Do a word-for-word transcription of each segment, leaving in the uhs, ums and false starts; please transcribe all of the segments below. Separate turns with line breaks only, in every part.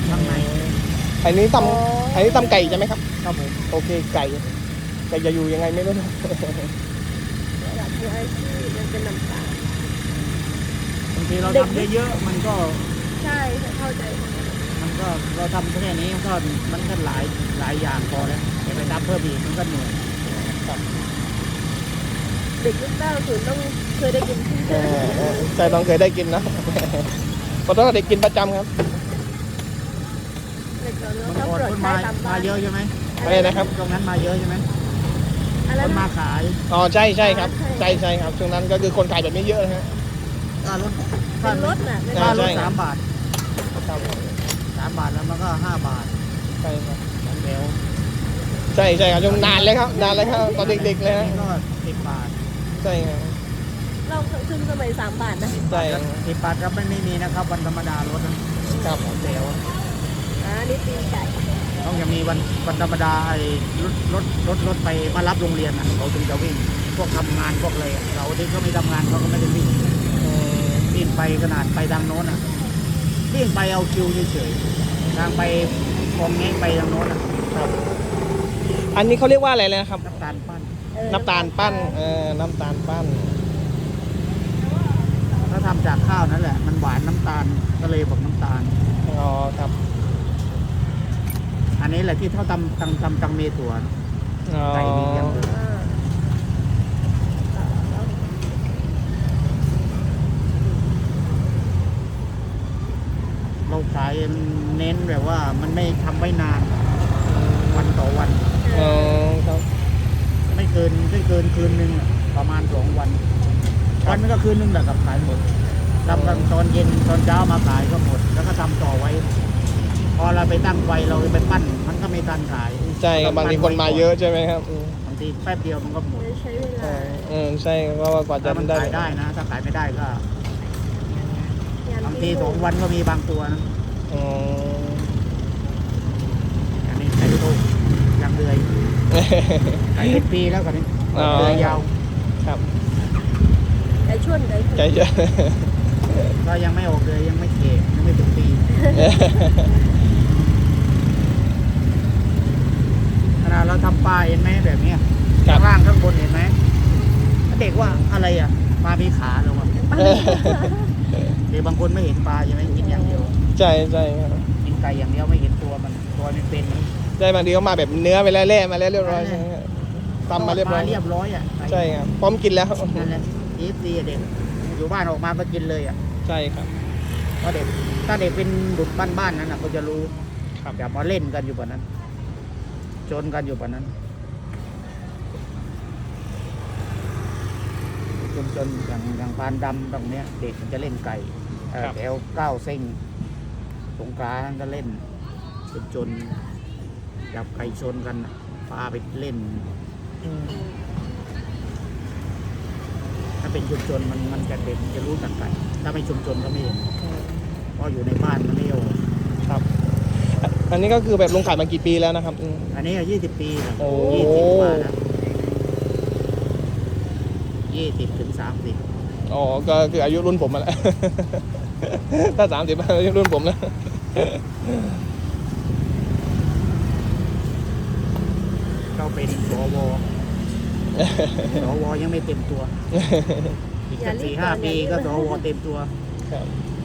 ข้างใน
อันนี้ตำอันนี้ตำไก่ใช่ไหมครับ
ครับผม
โอเคไก่ไก่จะอยู่ยังไงไม่รู้นะ
อยากมีอาชีพมันเป็นน้ำตาล
บางทีเราทำเยอะๆมันก็
ใช่เข้าใจ
มันก็เราทำแค่นี้มันก็มันก็หลายหลายอย่างพอแล้วแต่ไปทำเพิ่มอีกมันก็เหนื่อย
เด็กยุคเก้าศูนย์ต้องเคยได้กิน
เออเออใช่ต้องเคยได้กินนะ เพราะต้องเด็กกินประจำครับ
เด็กเรา
มัน
ชอบ
ก่อน
โปรด
คน
ใช้
มา
ตาม
มา
บ้าน
เยอะใช่ไหม
อะไรนะครับ
ตรงนั้นมาเยอะใช่ไหม
อะไร
คนมา
นะ
ขาย
อ๋อใช่ใช่ครับใช่ใช่ครับช่วงนั้นก็คือคนขายแบบนี้เยอะนะฮะ
ค่ารถ
เป็นรถน่ะเป็น
ใช่
ค่าร
ร
ถ
ถ
สามบาท
ครับ
สามบาทแล้วมันก็ห้าบาท
ใช่ครับ
สองแถว
ใช่ใช่ครับช่วงนานเลยครับนานเลยครับตอนเด็กๆเลยฮะ
นี่ก็สิบบาท
ใช่ครับ
เราขึ้นสมัยสามบาทนะ
ใช่
สิบบาทก็ไม่ไม่มีนะครับวันธรรมดารถนะครับ สองแถว
อ่านี่ตีนไก่
ต้องจะมีวันวันธรรมดาไอ้รถรถรถรถไปมารับโรงเรียนอ่ะเขาถึงจะวิ่งพวกทำงานพวกอะไรอะเราที่เขาไม่ทำงานเขาก็ไม่ได้วิ่ง
อืม
วิ่งไปขนาดไปทางโน้นอ่ะวิ่งไปเอาคิวเฉยๆทางไปกองเงี้ยไปทางโน้นอ่ะ
ครับอันนี้เขาเรียกว่าอะไรเลยนะครับ
น้ำตาลปั้น
เออ
น้ำตาลปั้นเออน้ำตาลปั้น
ถ้าทำจากข้าวนั่นแหละมันหวานน้ำตาลก็เลยบอกน้ำตาล
อ๋อครับ
อันนี้แหละที่เขาทำทำทำตังเมถั่ว
อ๋อ
ไก่ดีอย่างเดียว
อ่า
เราขายเน้นแบบว่ามันไม่ทำไว้นานวันต่อวัน
อ๋อครับ
ไม่เกินไม่เกินคืนหนึ่งอะประมาณสองวัน วันมันก็คืนหนึงแหละกับขายหมดทำกันตอนเย็นตอนเช้ามาขายก็หมด แล้วก็ทำต่อไว้ พอเราไปตั้งไฟเราไปปั้น มันก็ไม่ทันขาย
ใช่ครับบางทีคนมาเยอะใช่ไหมครับอืม
บางทีแป๊บเดียวมันก็หมด
ไม่ใช้เว
เอ
ลา
อเออใช่เพราะว่ากว่าจะ
ถ้ามัน
ได้
ขายได้นะ ถ้าขายไม่ได้ก็
ยาม
บางที
ที่
สองวันก็มีบางตัวนะ
อ๋อ
อันนี้ไก่โตยังเดือยไก่เป็นปีแล้วกันนี้
อ๋อ
เดือยยาว
ครับ
ไก่ชวนไก่ชวน
ใจเย็น
ก็ยังไม่ออกเลยยังไม่เก่ยังไม่ถึงปีขนาดเราทำปลาเห็นไหมแบบเนี้ย
ครั
ข้า
บ
งล่างข้างบนเห็นไหมเด็กว่าอะไรอ่ะปลามีขาเหรอวะเด็กบางคนไม่เห็นปลาใช่ไหมกินอย่างเดียว
ใช่ใช่ครับ
กินไก่อย่างเดียวไม่เห็นตัวมันตัวมันเป็น
ใช่บางทีเขามาแบบเนื้อไปแล้วแล่มาแล้วเรียบร้อยใช่ไหมครับตำมาเรียบร้อย
เรียบร้อยอ่ะ
ใช่ครับพร้อมกินแล้ว
นั่นแหละทีดีเด็กอยู่บ้านออกมาก็กินเลยอ่ะ
ใช่ครับ
เพราะเด็กถ้าเด็กเป็นดุดบ้านๆนั้นนะเขาจะรู้
ครับ
อย่ามาเล่นกันอยู่แบบนั้นจนกันอยู่แบบนั้นจนจนอย่างอย่างปานดำตรงเนี้ย เด็กมันจะเล่นไก่เอ่อแถวเก้าเส้งสงกรานต์ก็เล่นจนจนจับไก่ชนกันน่ะพาไปเล่น
อืม
ถ้าเป็นชุมชนมันมันจะเด็กจะรู้จักไก่ถ้าไม่ชุมชนก็ไม่เห็นเพราะอยู่ในบ้านมันไม่เอา
ครับอันนี้ก็คือแบบลุงขายมากี่ปีแล้วนะครับอืม
อันนี้ยี่สิบปีนะ
โอ้
ยี่สิบกว่านะยี่สิบถึงสามสิบ
อ๋อก็คืออายุรุ่นผมมาแล้ว ถ้าสามสิบอายุรุ่นผมแล้ว
ก็เป็นสวสวยังไม่เต็มตัวอีกสักสี่ห้าปีก็สวเต็มตัว
ครับ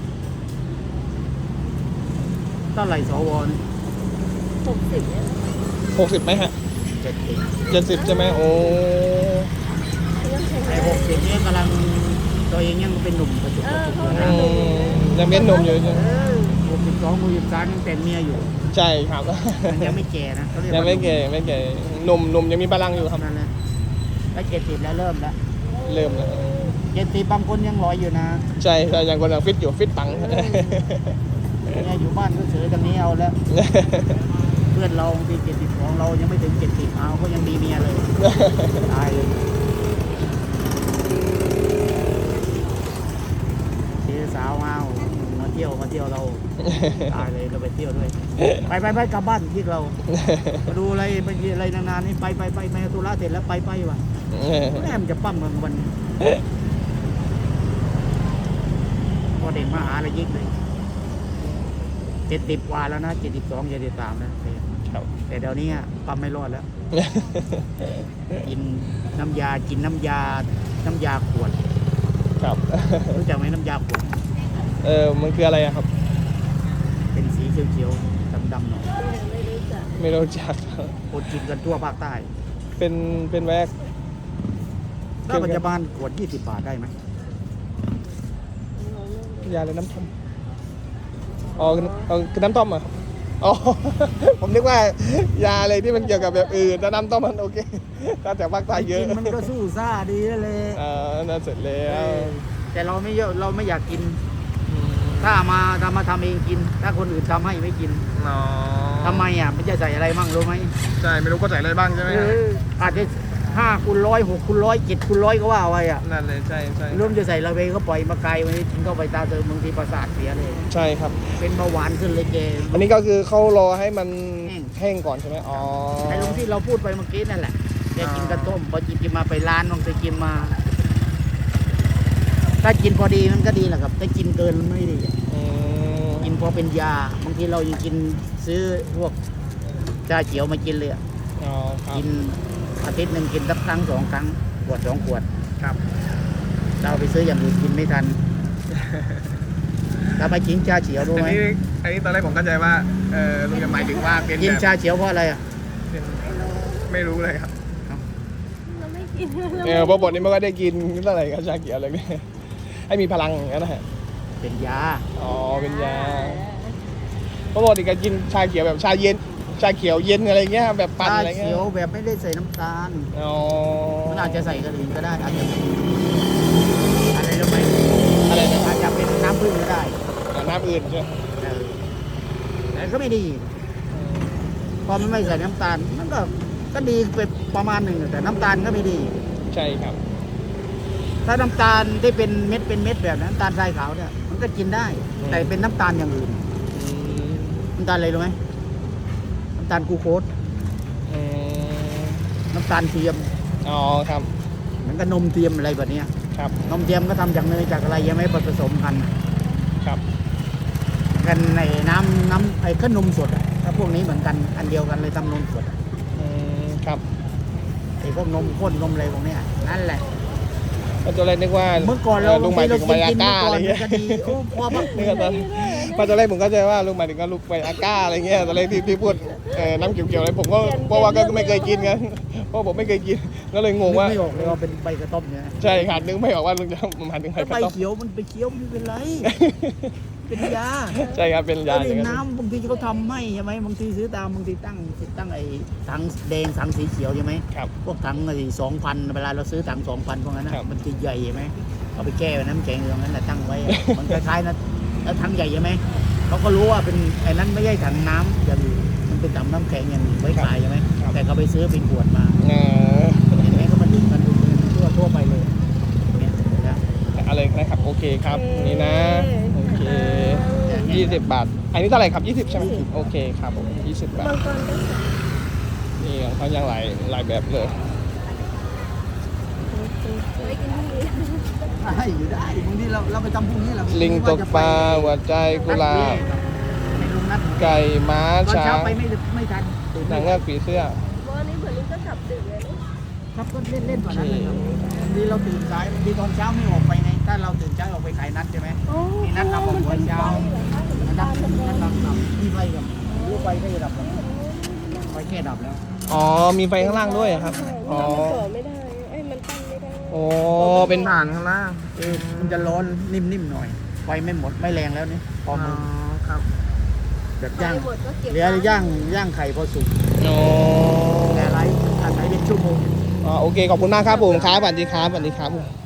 เท่าไหร่สวเนี่ย
หกสิบเนี่ย
หกสิบไหมฮะ
เจ็ดสิบ
เจ็ดสิบใช่ไหมโอ้
ยังแข็งแร
ไอ้
ง
หกสิบเนี่ยกำลังตัวเองยังเป็นหนุ่มกระจุก
เอก
ระ
อ
จุก
เขา
อยู่
ทำ
นะ
อืมยังเป็นหนุ่มอยู่ใช่ไหม
เออ
หกสิบสองหกสิบสามยังแต่งเมียอยู่
ใช่ครับ
มันยังไม่แก่นะเขาเรียก
ยัง
ว่า
ไม่เก่ไม่เก่หนุ่มหนุ่มยังมีพลังอยู่ครับ
นั่นแหละแล้วเจ็ดสิบแล้วเริ่มแล้ว
เริ่มแล้ว
เจ็ดสิบบางคนยังลอยอยู่นะ
ใช่ใช่ยังคนยังฟิตอยู่ฟิตปัง
เนี่ยอยู่บ้านก็เฉยตรงนี้เอาแล้ว เพื่อนเราปีเจ็ดสิบของเรายังไม่ถึงเจ็ดสิบเอาก็ยังมีเมียเลย ตายเลยเสียสาวมามาเที่ยวมาเที่ยวเรา ตายเลยเราไปเที่ยวด้วย ไปไปไปกลับบ้านที่เรามาดูอะไรไปอะไรนานๆนี่ไปไปไปไปธุระเสร็จแล้วไปไปว่ะแม่มันจะปั้มเมืองวันพอเด็กมาหาอะไรยิกเลย เจ็ดสิบกว่าแล้วนะเจ็ดสิบสองเจ็ดสิบสามแล้ว
ครับ
แต่เดี๋ยวนี้ปั๊มไม่รอดแล้ว กินน้ำยากินน้ำยาน้ำยาขวด
ครับ
รู้จักไหมน้ำยาขวด
เออมันคืออะไรอะครับ
เป็นสีเขียวๆดำๆหน่อย
ไม่รู้จัก
ไม่รู้จัก
คนกินกันทั่วภาคใต้
เป็นเป็นแวก
ถ้าปัจจุบันขวดยี่สิบบาทได้ไหม
ยาอะไรน้ำต้มอ๋อเอาคือน้ำต้มเหรอ่ะอ๋อ ผมนึกว่ายาอะไรที่มันเกี่ยวกับแบบอื่นแต่น้ำต้มมันโอเคถ้าจากภาคใต้เยอะ
กินมันก็สู้ซ่าดีเลย
เออนั่นเสร็จแล้ว
แต่เราไม่เยอะเราไม่อยากกิน ถ้ามาทำมาทำเองกิน ถ้าคนอื่นทำให้ไม่กิน
อ๋อ
ทำไมอ่ะมันจะใส่อะไรบ้างรู้ไหม
ใช่ไม่รู้ก็ใส่อะไรบ้างใช่ไหม
เอออาจจะห้าคูณร้อยหกคูณร้อยเจ็ดคูณร้อยก็ว่าไว้อ่ะ
นั่นเลยใช่ใช่
เริ่มจะใส่ระเบก็ปล่อยมาไกลวันนี้กินเข้าไปตาเติมบางทีประสาทเสียเลย
ใช่ครับ
เป็นเบาหวานขึ้นเลยเจ
อันนี้ก็คือเขารอให้มัน
แห้ง
แห้งก่อนใช่ไหมอ๋อ
ไอ้ลุงที่เราพูดไปเมื่อกี้นั่นแหละแกกินกระต้มพอกินกินมาไปร้านบางทีกินมา ถ้ากินพอดีมันก็ดีแหละครับถ้ากินเกินมันไม่ดี
อืม
กินพอเป็นยาบางทีเรายังกินซื้อพวกชาเขียวมากินเลยอะ
อ๋อครับ
กินอาทิตย์หนึ่งกินสักครั้งสองครั้งขวดสองขวด
ครับ
เราไปซื้ออย่างอื่นกินไม่ทัน ถ้าไปกินชาเขียวรู้
อัน
ไหม
นี้อันนี้ตอนแรกผมเข้าใจว่าเออลุงจะหมายถึงว่าเป็น
กิน
แบบ
ชาเขียวเพราะอะไรอ่ะ
เป็นไม่รู้เลยครับ
เราไม่กินเรา
เออเพราะบทนี้ไม่ค่อยได้กินเท่าไหร่กับชาเขียวอะไรเนี่ยให้มีพลังอย่างนั้นนะฮะ
เป็นยา
อ๋อเป็นยาเพราะปกติก็กินชาเขียวแบบชาเย็น ชาเขียวเย็นอะไรเงี้ยแบบปั่น
ชา
อะไรเงี้ย
เขียวแบบไม่ได้ใส่น้ำตาล
อ๋อ
มันอาจจะใส่กระดิ่งก็ได้อาจจะเป็นอะไรรู้ไหม
อะไรนะ
อาจจะเป็นน้ำผึ้งก็ได้
อ่าน้ำอื่นใช่ไหม
เออแต่ก็ไม่ดี พอมันไม่ใส่น้ำตาลมันก็ก็ดีไปประมาณหนึ่งแต่น้ำตาลก็ไม่ดี
ใช่ครับ
ถ้าน้ำตาลที่เป็นเม็ดเป็นเม็ดแบบนั้นน้ำตาลทรายขาวเนี่ยมันก็กินได้ แต่เป็นน้ำตาลอย่างอื่น
อืม
น้ำตาลอะไรรู้ไหมน้ำตาลกลูโคส
อืม
น้ำตาลเทียม
อ๋อครับ
เหมือนกับนมเทียมอะไรแบบเนี้ย
ครับ
นมเทียมก็ทำจากเนยจากอะไรยังไม่ผสมกัน
ครับ
กันในน้ำน้ำไอ้ขนมสดอะถ้าพวกนี้เหมือนกันอันเดียวกันเลยทำนมสดอะ
อืมครับ
ไอ้พวกนมข้นนมอะไรพวกเนี้ยนั่นแหละ
ก็ตอนแรกนึกว่า
เมื่อก่อนเรา
ลุงหมายถึง
เรา
ไว
กิน
อาก้า
เมื่อก่
อะ
อ
ไร
น
เงี้ย
ก็ดีโอ้พอพัก
นี่ก็ตอนพอตอนแรกผมก็ใจว่าลุงหมายถึงก็ลูกไวอาก้าอะไรเงี้ยตอนแรกที่ที่พูดเอ่อน้ำเขียวๆอะไรผมก็เพราะว่าก็ไม่เคยกินกันเพราะผมไม่เคยกินก็เลยงงว่า
ไม่ออกเลยว่าเป็นใบกระต้มเนี่ย
ใช่ครับนึกไม่ออกว่าลุงจะหมายถึงใคร
ถ้า
ก็
ใบ
ต้อง
เขียวมันไปเคี้ยวไม่เป็นไร เป็นยา
ใช่ครับเป็นยา
แล้ว
อย่าง
ใน
นั้น
น้ำบางทีเขาทำให้ใช่ไหมบางทีซื้อตามบางทีตั้งตั้งไอ้ถังแดงถังสีเขียวใช่ไหม
ครับ
พวกถังไอ้สองพันเวลาเราซื้อถังสองพันพวกนั้นนะครับ มันจะใหญ่ใช่ไหมเอาไปแก้ไว้น้ำแข็งอย่างนั้นแหละตั้งไว้ มันคล้ายๆนะแล้วถังใหญ่ใช่ไหมเขาก็รู้ว่าเป็นไอ้นั้นไม่ใช่ถังน้ำอย่างอื่นมันเป็นถังน้ำแข็งอย่างอื่นไว้ขายใช่ไหมแต่เขาไปซื้อเป็นขวดมา
เออ
เห็นไหมเขามาดึงกันดูทั่วทั่วไปเลยเนี่ยนะ
อะไรนะครับโอเคครับนี่นะโอเคยี่สิบบาทอันนี้เท่าไหร่ครับยี่สิบใช่ไหมโอเคครับผมยี่สิบบาท
บางคนก็
นี่ของเขายังหลายหลายแบบเลย
ไม่กินที่นี่
ได้อยู่ได้บางทีเราเราไปทำพวกนี้เรา
ลิงตกปลาหัวใจกุหลาบ
ในลุงนัด
ไก่ม้า
ตอน
ช้า
เช้าง ไปไม่ไม่ทันตื่น
นางเงือกผีเสื้อ
วันนี้เหมือนลิงก็กลับดึกเลยนะ
ครับก็เล่นเล่นๆกว่านั้นเลยครับบางทีเราตื่นสายบางทีตอนเช้าไม่ออกไปไงถ้าเราตื่นเช้าออกไปขายนัดใช่ไหม
โอ้
นี่นัดทำกับหัวเช้า
มัน
นัด
เป็น
นัด
ไฟ
นัดทำทำมีไฟกับลูกไฟก็จะดับแล้วไฟแค่ดับแล้ว
อ๋อมีไฟข้างล่างด้วยเหรอครับอ๋อ
มันต่อไม่ได้ไอ้ยมันตั้งไม่ได้
โอ้เป็นฐานข้างล่าง
เออมันจะร้อนนิ่มๆหน่อยไฟไม่หมดไม่แรงแล้วนี่พอ
อ๋อ
มือ
ครับ
แบบย่าง
หมดก็เก็บ
เหลือย่างย่างไข่พอสุก
โอ้
แต่ไรอาศัยเป็นชั่วโมง
อ๋อโอเคขอบคุณมากครับผมครับสวัสดีครับสวัสดีครับ